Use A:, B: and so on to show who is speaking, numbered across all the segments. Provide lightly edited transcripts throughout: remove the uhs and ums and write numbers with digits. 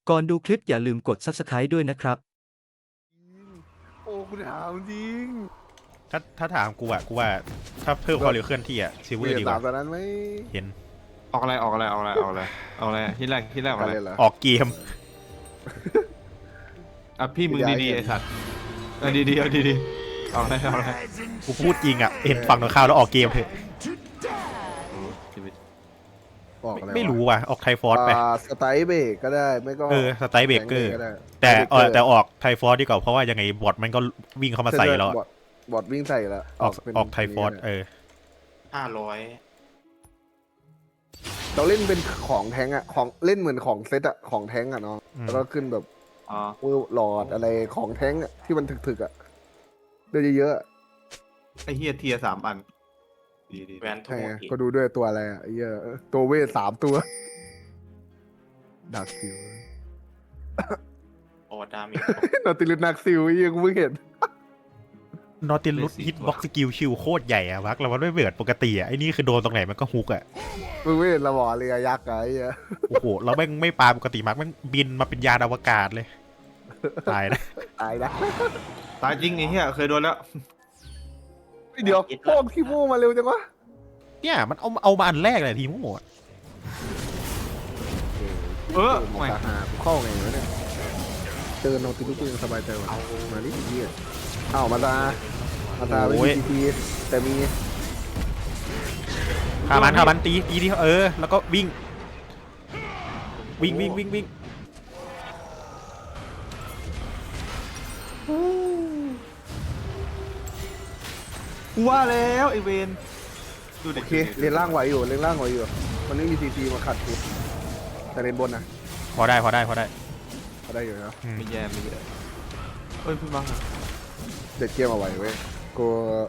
A: ก่อนดูคลิปอย่าลืมกด Subscribe ด้วยนะครับ
B: โอ้คุณถามจริง
C: ถ้าถามกูอะกูว่าถ้าเพิ่มความเร็วเคลื่อนที่อะซิลเวอร์ดีกว่า
B: ตอนนั้นไหม
C: เห็น
D: ออกอะไรที่แรกออกอะไร
C: ออกเกม
D: อ่ะพี่มึงดีๆไอ้สัตว์เอาดีๆเอาอะไร
C: กูพูดจริงอะเห็นฝั่งตรงข้ามแล้วออกเกมเถอะ
B: บอกอะไร
C: ไม่รู้ว่ะออกไทฟอร์สไป
B: สไตล์เบรกก็ได้ไม่ก็
C: สไตล์เบรกเกอร์
B: ก็ได้
C: แต่ออกไทฟอร์สดีกว่าเพราะว่ายังไงบอทมันก็วิ่งเข้ามาใส่แล้ว
B: บอดวิ่งใส่แล้ว
C: ออกไทฟอร์ส
D: 500
B: เราเล่นเป็นของแท้งอะของเล่นเหมือนของเซตอะของแท้งอะเนาะแล้วก็ขึ้นแบบหลอดอะไรของแท้งอะที่มันถึกๆอะเดือเยอะๆ
D: ไอ้เฮียเทีย3 อันดี
E: แวนโท
B: ใช่
E: ษ
B: ไง
E: อีก
B: ก็ดูด้วยตัวอะไรอ่ะไอ้เหี้ยตัวเวท3 ตัวดักซิล
E: โอดามิ
B: นาติลิสนักซิลไอ้เหี้ยกูเพิ่งเห็น
C: นอติลุสฮิตบ็อกสกิลชิลโคตรใหญ่อะวักแล้วมันไม่เบิดปกติอะไอ้นี่คือโดนตรงไหนมันก็ฮุกอะ
B: มึงไม่เห็นระบอเรือยักษ์อะไอ้เหี้ย
C: โอ้โหแล้วแม่งไม่ปาปกติมักแม่งบินมาเป็นยานอวกาศเลยตายนะ
B: ตายนะ
D: ตายจริงไอ้เฮียเคยโดนแล้ว
B: เดี๋ยวโป้งขี้โม่มาเร็วจังวะ
C: เนี่ยมันเอามาอันแรกเลยทีมโหด
B: มาหาเข้าไงวะเนี่ยเจอนาติลิสกูยังสบายใจว่ะมาดิไอ้เหี้ยเอ้ามาตาไม่มีทีแต่มี
C: ฆ่ามันตีที่แล้วก็วิ่ง
D: กูว่าแล้วไอเวนดูเด็
B: โอก เคเรียนล่างไหวอยู่มันไม่มีทีมาขัดกูแต่เรียนบนนะ
C: พอได้
B: เขาได้อยู่นะ
D: ไม่แย่เฮ้ยพี่บัง
B: เด็ดเกมเอาไว้เว้ยกู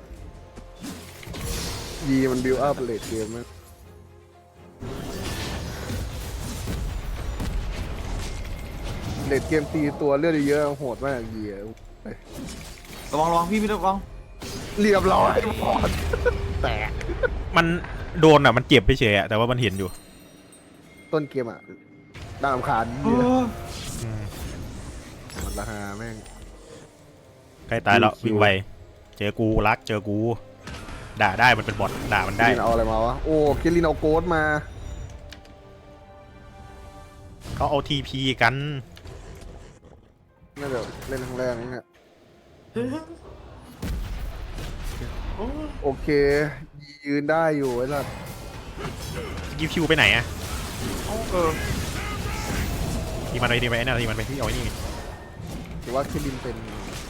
B: ยีมันบิวอัพเลดเกมมั้ยเลดเกมตีตัวเลือดเยอะโหดมากยี
D: ระวังพี่ระวัง
B: เรียบร้อยหมดแตก
C: มันโดนอ่ะมันเจ็บไปเฉยอ่ะแต่ว่ามันเห็นอยู่
B: ต้นเกมอ่ะน่ารำคาญมันราคาแม่ง
C: ใกล้ตายแล้ววิ่งไวเจอกูด่าได้มันเป็นบอทด่ามันได้
B: คิรินเอาอะไรมาวะโอ้คิรินเอาโกดมา
C: เขาเอาทีพีกัน
B: น่าจะเล่นครั้งแรกนี่เนี่ยโอเคยืนได้อยู่ไอ้สัส
C: กิฟคิวไปไหนอ่ะทีมันไปทีมันไปที่เอาไอ้นี่
B: ถือว่าคิรินเป็น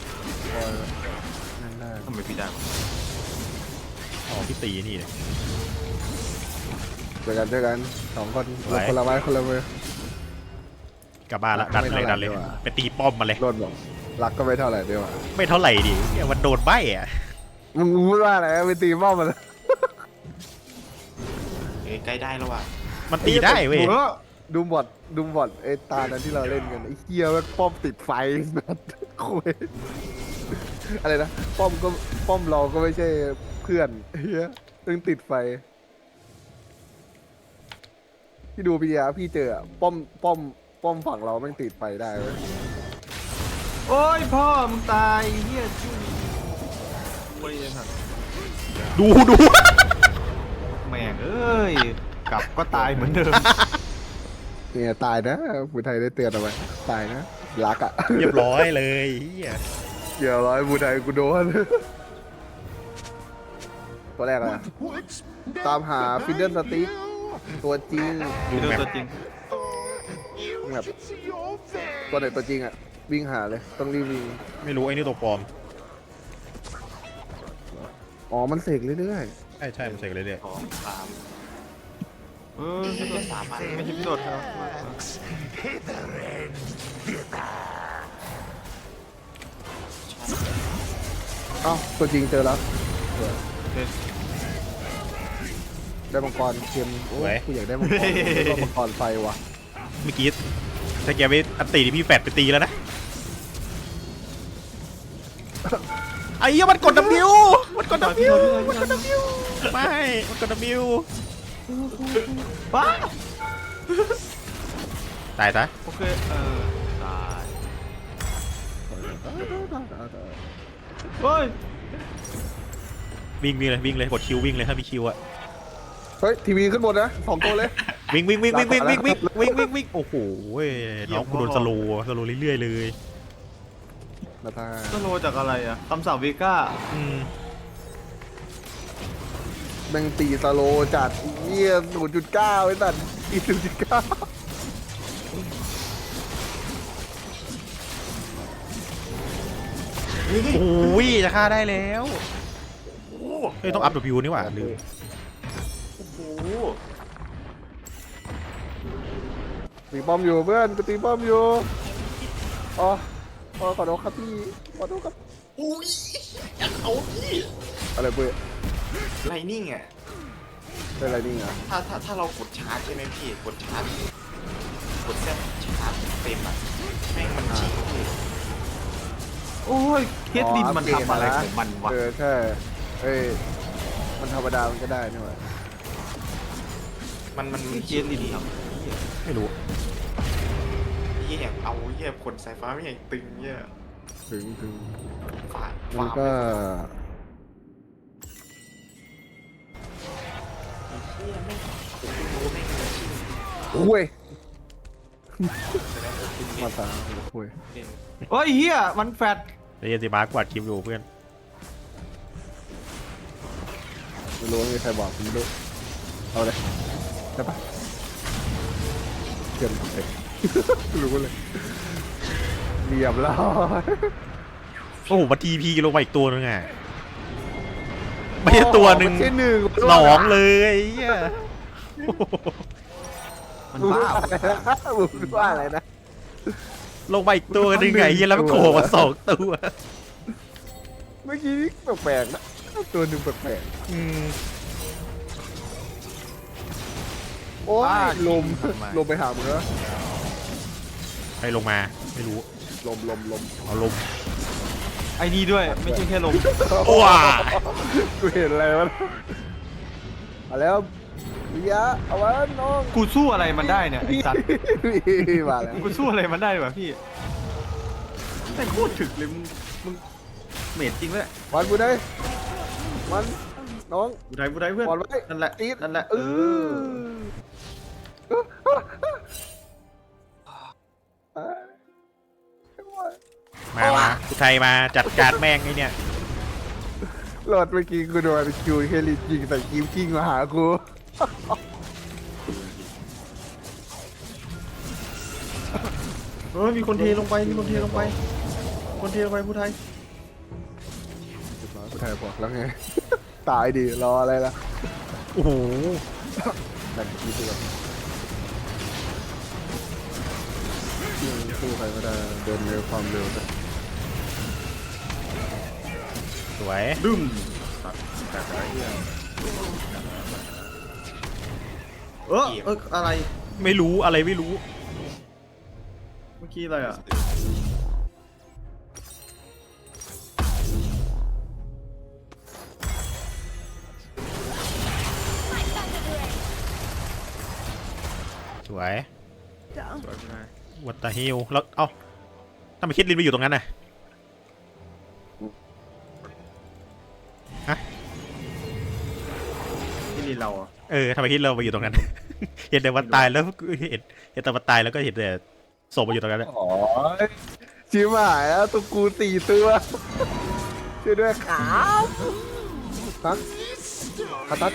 B: นั่นได้
D: ทำไมพี่ดัง
C: อ๋อพี่ตีนี่เลย
B: เจอกัน2 คนคนละไม้คนละมือก
C: ลับบ้านละดันเลยไปตีป้อมมาเลย
B: รถบอกรักก็ไม่เท่าไหร่เดียว
C: ไม่เท่าไหร่ดิเนี่ยมันโดนใบอ่ะ
B: มึงพูดว่าอะไรไปตีบ้ามัน
E: ใกล้ได้แล้วว่ะ
C: มันตีได้เว้ย
B: ดูบอทไอ้ตานั้นที่เราเล่นกันไอ้เฮียแม่งป้อมติดไฟนัดคุยอะไรนะป้อมเราก็ไม่ใช่เพื่อนเฮียตึงติดไฟพี่ดูพี่เจอป้อมฝั่งเราแม่งติดไฟได้เว้ย
D: โอ้ยพ่อมึงตายเฮียชื่อโอ้ยสัตว์
C: ดู
D: แม่งเอ้ยกลับก็ตายเหมือนเดิม
B: เนี่ยตายนะผู้ไทยได้เตือนเอาไว้ตายนะรักอ่ะ
C: เรียบร้อยเลยเฮีย
B: เดี๋ยวร้อยผู้ไทยกูโดนตัวแรกอะตามหาฟินเดิลสติ๊กตัวจริง
D: ดูตัวจริง
B: แบบตัวไหนตัวจริงอ่ะวิ่งหาเลยต้องรีบวิ่ง
C: ไม่รู้ไอ้นี่ตัวปลอม
B: อ๋อมันเสกเรื่อย
C: ใช่มันเสกเลย
E: 2 3
D: ไม่ใช่
E: 3 อัน
D: ไม่ใช่พี่โดดครับ
B: ๆเอ้าตัวจริงเจอแล้วได้มังกรเค็มโอ้ยกูอยากได้มังกรได้มังกรไฟว่ะ
C: เมื่อกี้ถ้าแกไปอันตีที่พี่แฟดไปตีแล้วนะไอ้เหี้ยมันกด W มันกด W ไม่มันกด W
D: ว้า
C: ตายซะ
D: โอเคตายเฮ้ย
C: วิ่งเลยวิ่งเลยกดคิววิ่งเลยถ้ามีคิวอะ
B: เฮ้ยทีวีขึ้นบนนะ2 ตัวเลย
C: วิ่งโอ้โหน้องกูโดนสโลว์เรื่อยๆเลย
B: นาตา
D: สโลจากอะไรอ่ะคำสั่งเวก้า
B: แม่งตีสโลจัดเยี่ย0.9ไอ้สัตว์อี0.9
C: โอ้ยจะฆ่าได้แล้วเฮ้ยต้องอัพวิวนี่หว่าลืม
D: โอ้โห
B: ตีป้อมอยู่เพื่อนกูตีป้อมอยู่อ๋อขอโทษครับพี่ขอโทษครับ
E: อุ้ยอยากเอาพี่
B: อะไรเพื่อน
E: ไลนิ่งอ่ะ
B: เป็นอะไรนี่ไง
E: ถ้าเรากดชาร์จใช่ไหมพี่กดชาร์จกดเส้นชาร์จเต็มอ่ะแม่งมันชิงพี่
D: โอ้ยเคสลินมันทำอะไรของมันวะ
B: ใช่เอ้ยมันธรรมดามันก็ได้นี่หว่า
E: มัน
D: เคสลินท
C: ไม่รู้
E: เหี้ยเอาเหี้ยขนสายฟ้าไม่ใหญ่ตึงเหี้ย
B: ถึง
E: ฝ่า
B: มันก็
E: เหี้ยแม่งผมไม่รู้แม่งมันชิง
B: คุย
E: แสดงว่าคุณ
B: มาตาคุย
E: เล่น
D: ำโอ้ยเฮียมันแฟด
C: เรียนสิมาร์กวาดคลิปอยู่เพื่อน
B: ไม่รู้ว่ามีใครบอกผมไม่รู้เอาเลยได้ปะเกินเสร็จรู้เลยเรียบร้อย
C: โอ้โหมาทีพีลงมาอีกตัวนึงอ่ะไม่ใช่ตัวหนึ่ง
B: ไม่ใช่หนึ่ง
C: สองเลยเหี้ย
D: มัน
B: มึง
D: บ้า
B: ว่าอะไรนะมึงว่าอะไรนะ
C: ลงมาอีกตัวนึงไงเหี้ยแล้วมันโผล่มา2 ตัว
B: เมื่อกี้แปลกๆนะตัวหนึ่งแปลก
C: อืม
B: ๆโอ้ยลมไปหามึงแล้ว
C: ใครลงมาไม่รู้
B: ลม
C: เอาลม
D: ไอ้นี่ด้วยไม่ใช่แค่ลม
C: ว้า
B: กูเห็นอะไรวะมาแล้ววิยะเอาไว้น้อง
D: กูสู้อะไรมันได้เนี่ยไอ้สัตว์
B: มาแล้ว
D: กูสู้อะไรมันได้วะพี่แต่โคตรถึกเลยมึงเมดจริงเลย
B: วันกูได้มันน้อง
D: บูไดเพื่อน
B: บอลไว้
D: นั่นแหละ
B: ตีด
D: นั่นแหละ
C: มาอุทัยมาจัดการแม่งไอ้เนี่ย
B: โหลดเมื่อกี้กูโดนคิวเฮลิจิงใส่คิวกิ้งมาหากู
D: เฮ้ยมีคนเทลงไปคนเทลงไปผู้ไทย
B: กูถ่ายบอกแล้วไง ตายดิรออะไรล่ะ
C: โอ้โห
B: แต่คิวตัวสู้ใครไม่ได้เดินเร็วความเร็วแต่
C: สวย
D: ดึ้มตัดอะไรเนี่ยอะไร
C: ไม่รู้อะไรไม่รู้
D: เมื่อกี้อะไรอ่ะ
C: สวย
D: สวยผู้ไทย
C: วัตตาฮิลแล้วเอ้าทำไมคิดลินไปอยู่ตรงนั้นน่ะฮะ
D: ที่นี่เราอ่ะ
C: ทำไมคิดเราไปอยู่ตรงนั้น เห็นแต่วันตายแล้วเห็นแต่วันตายแล้วก็เห็นแต่ศพมาอยู่ตรงนั้นอะ
B: อ๋อชิบหายแล้วตัวกู4 ตัวช่วยด้วยครับตัดคัตัด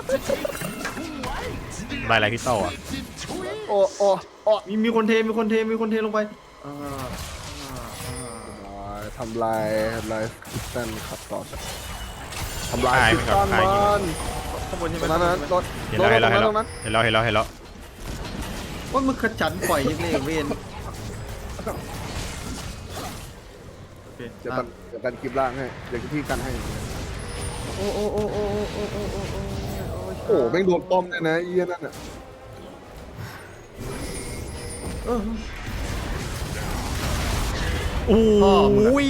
C: ลายอะไรพี่โต้อะ
B: โอ้
D: มีคนเทลงไป
B: ทำลายคิสตันขับต่อทำลายคิสตันมัน
D: ข้างบนใช่ไหม
B: ตรงนั้นรถ
C: เห็นแล้ว
B: ตรงนั้น
D: ว่ามึงขจันปล่อยยังไงเวนโอเค
B: เดี๋ยวกันคลิปล่างให้เดี๋ยวพี่กันให้โอ้แม่งโดนป้อมเลยนะเอี้ยนั่นอ่ะ
C: โอ้ย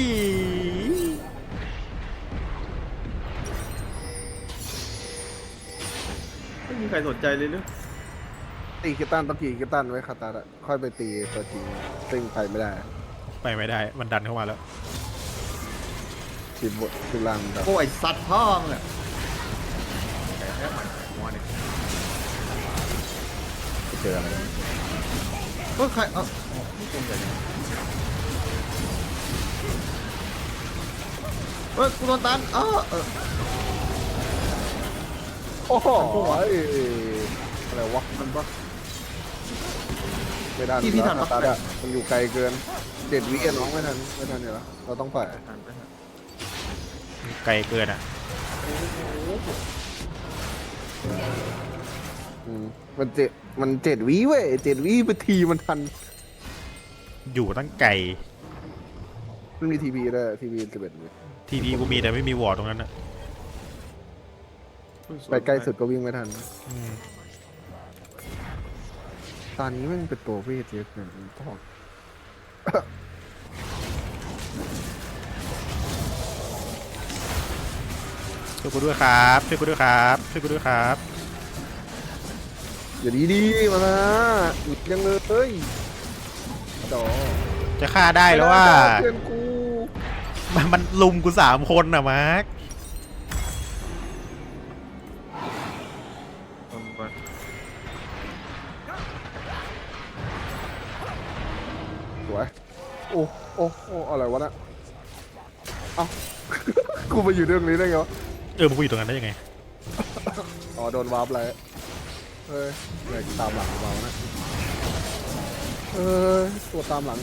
D: ไม่มีใครสนใจเลยหรือ
B: ตีคิตันต้องตีคิตันไว้คาตาละค่อยไปตีตัวจริงซึ่งไปไม่ได้
C: ไปไม่ได้มันดันเข้ามาแล้ว
B: ทีมบททีมล่างแบบ
D: โอ้ยสัตว์พ่อมึงอะแค่หมันหัวเนี่ย
B: เจออะไร
D: เฮ้ยใครนี่เป็นอะไรเฮ้ยกูโดนตัน
B: โอ้โหอะไรวะมันปะไม่ได้คาตาละมันอยู่ไกลเกิน7 วิน้องไม่ทันเนี่ยเหรอเราต้องปล่อย
C: ไกลเกินอ่ะ
B: มัน7 วิเว้ย7 วิไปทีมันทัน
C: อยู่ตั้งไกล
B: มันมีทีวีด้วยทีวี11 วิ
C: ทีพีกูมีแต่ไม่มีวอร์ดตรงนั้นอ่ะ
B: ไปใกล้สุดก็วิ่งไม่ทัน
C: อืม
B: ตอนนี้มันเป็นตัวเวทเยอะเกินต้อง
C: ช่วยกูด้วยครับช่วยกูด้วยครับช่วยกูด้วยครับ
B: อย่าดีมานะอีกยังเลยต่อ
C: จะฆ่าได้แล้วว่า
B: เพื่อนกู
C: มันลุมกู3 คนอ่ะมาร์ค
B: สวยโอ้อะไรวะน่ะเอ้า กูมาอยู่เรื่องนี้ได้ไงวะ
C: มึงกูอยู่ตรงนั้นได้ยังไง
B: อ๋อโดนวาร์ปเลยเฮ้ยอะไรตามหลังมานะตัวตามหลัง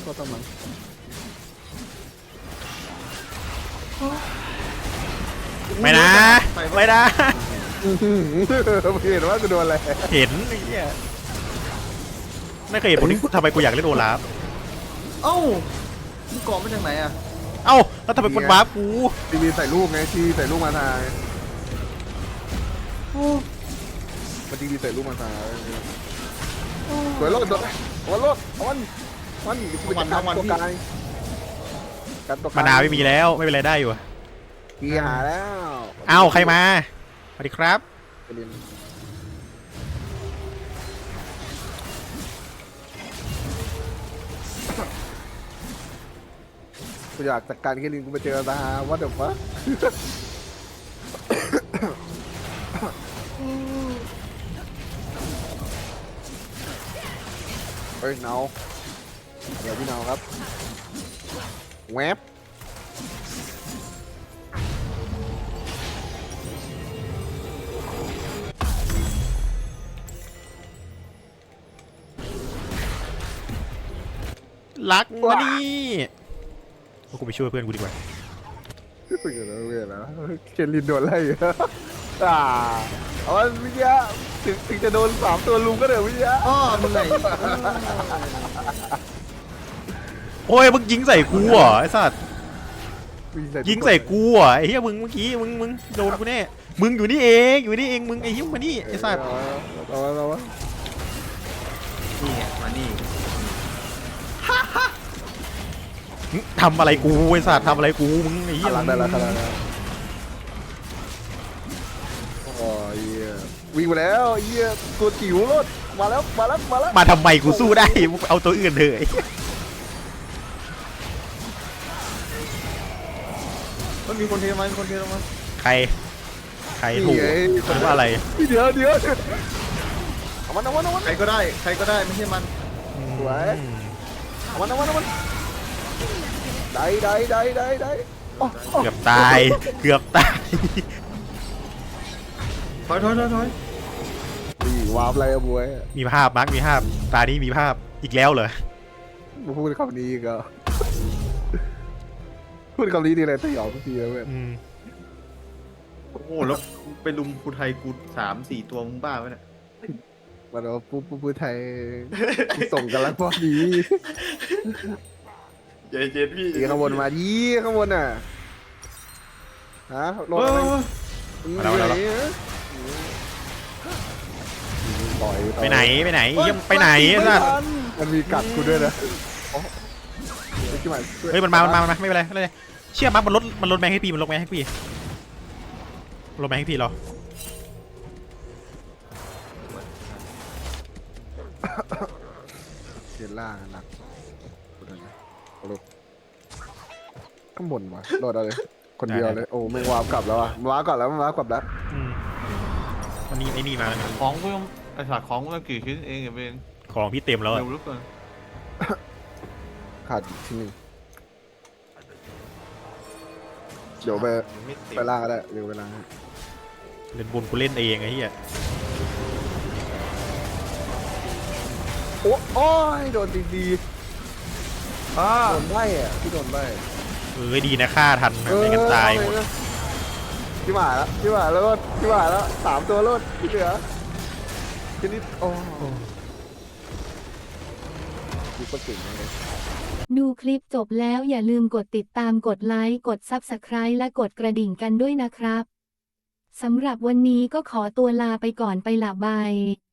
C: ไม่นะไม่นะ
B: ไม่เห็นว่ากูโดนอะไร
C: เห็นไอ้เหี้ยไม่เคยเห็นคนที่ทำไมกูอยากเล่นโอลาฟ
D: เอ้ามึงเกาะมาจากไหนอะ
C: เอ้าแล้วทำไมคนวาร์ปกู
B: ทีวีใส่ลูกไงทีใส่ลูกมาทายมันทีวีใส่ลูกมาทายสวยรถวันรถวันตัวกายกันตัวกาย
C: มานาวไม่มีแล้วไม่เป็นไรได้อยู่
B: กีหาแล้ว
C: เอ้าใครมาสวัสดีครับ
B: กูอยากจัดการเคลินกูไปเจอตาวัดเดี๋ยวฟะเฮ้ยเนาเดี๋ยวพี่เนาครับแวบ
C: รักมาดิกูไปช่วยเพื่อนกูดีกว่า
B: เพื่อนแล้วเคลินโดนไล่เอาวิทยาถึงจะโดน3 ตัวลุมก็เดี๋ยววิทยา
D: มึงไง
C: โอ้ยมึงยิงใส่กูเหรอไอ้สัตว์ยิงใส่กูเหรอไอ้เหี้ยมึงเมื่อกี้มึงโดนกูแน่มึงอยู่นี่เองมึงไอ้เหี้ยมานี่ไอ้สัตว์
B: เอาวะ
D: นี่ไงมานี่
C: ทำอะไรกูไอ้สัตว์ทำอะไรกูมึงไอ้เหี้ย
B: ขนาดได้แล้วโอ้ยวิ่งมาแล้วเหี้ยตัวจิ๋วรถมาแล้ว
C: มาทำไมกูสู้ได้มึงเอาตัวอื่นเถอะ
D: มันมีคนเทมา
C: ใครถูกหรือว่าอะไร
B: เดี๋ยวเอามัน
D: ใครก็ได้ไม่ใช่มัน
B: สวยเอามันได้
C: เกือบตายเกือบตาย
D: ถอย
B: นี่วาร์ปอะไรอะบวย
C: มีภาพมาร์คมีภาพตานี้มีภาพอีกแล้วเหรอ
B: มาพูดคำนี้ก็พูดคำนี้ดีเลยถ้าหยอกทุกทีเลยเว้ย
D: โอ้โหแล้วไปลุมกูไทยกู3-4 ตัวมึงบ้าไหมเนี่ย
B: มันว่าพูดไทยส่งกันแล้วพอดี
E: เย็นพี่
B: ดีข้างบนมาดีข้างบนน่ะฮะรถอะไร
C: ไปไหนยังไปไหนสัตว์
B: มันมีกัดกูด้วยนะ
C: เฮ้ยมันมาไม่เป็นไรเชื่อมั้ยมันลดแมงให้พี่มันลดแมงให้พี่รอ
B: เทียนล่างหนักกูดูนะเอาลูกข้างบนวะโดดเอาเลยคนเดียวเลยโอ้แม่งวาร์ปกลับแล้วอ่ะวาร์ปกลับแล้วมันวาร์ปกลับแล้ว
C: อืมวันนี้ไอ้นี่มาแล้วนะ
D: ของกูยังไอ้สัตว์ของกูยังกี่ชิ้นเองอย่าเป็น
C: ของพี่เต็มแล้วอะ
D: เร็วเหลือเกิน
B: ขาดอีกทีหนึงเดี๋ยวไป
E: มันไม่เต็ม
B: ไปล่างก็ได้เร็วไปล่างให้
C: เล่นบนกูเล่นเองไอ้เหี้ย
B: โอ้ยโดนดี
D: อ่า
B: ๆโดนใบ้อะพี่โดนใบ้
C: ดีนะฆ่าทันนะไม่งั้นตายหมด
B: พี่หมาแล้วพี่หมาแล้วพี่หมาแล้ว3 ตัวรถที่เหลือทีนี้โอ้ดูกระสุนเลย
F: ดูคลิปจบแล้วอย่าลืมกดติดตามกดไลค์กด Subscribe และกดกระดิ่งกันด้วยนะครับ สำหรับวันนี้ก็ขอตัวลาไปก่อนไปละบาย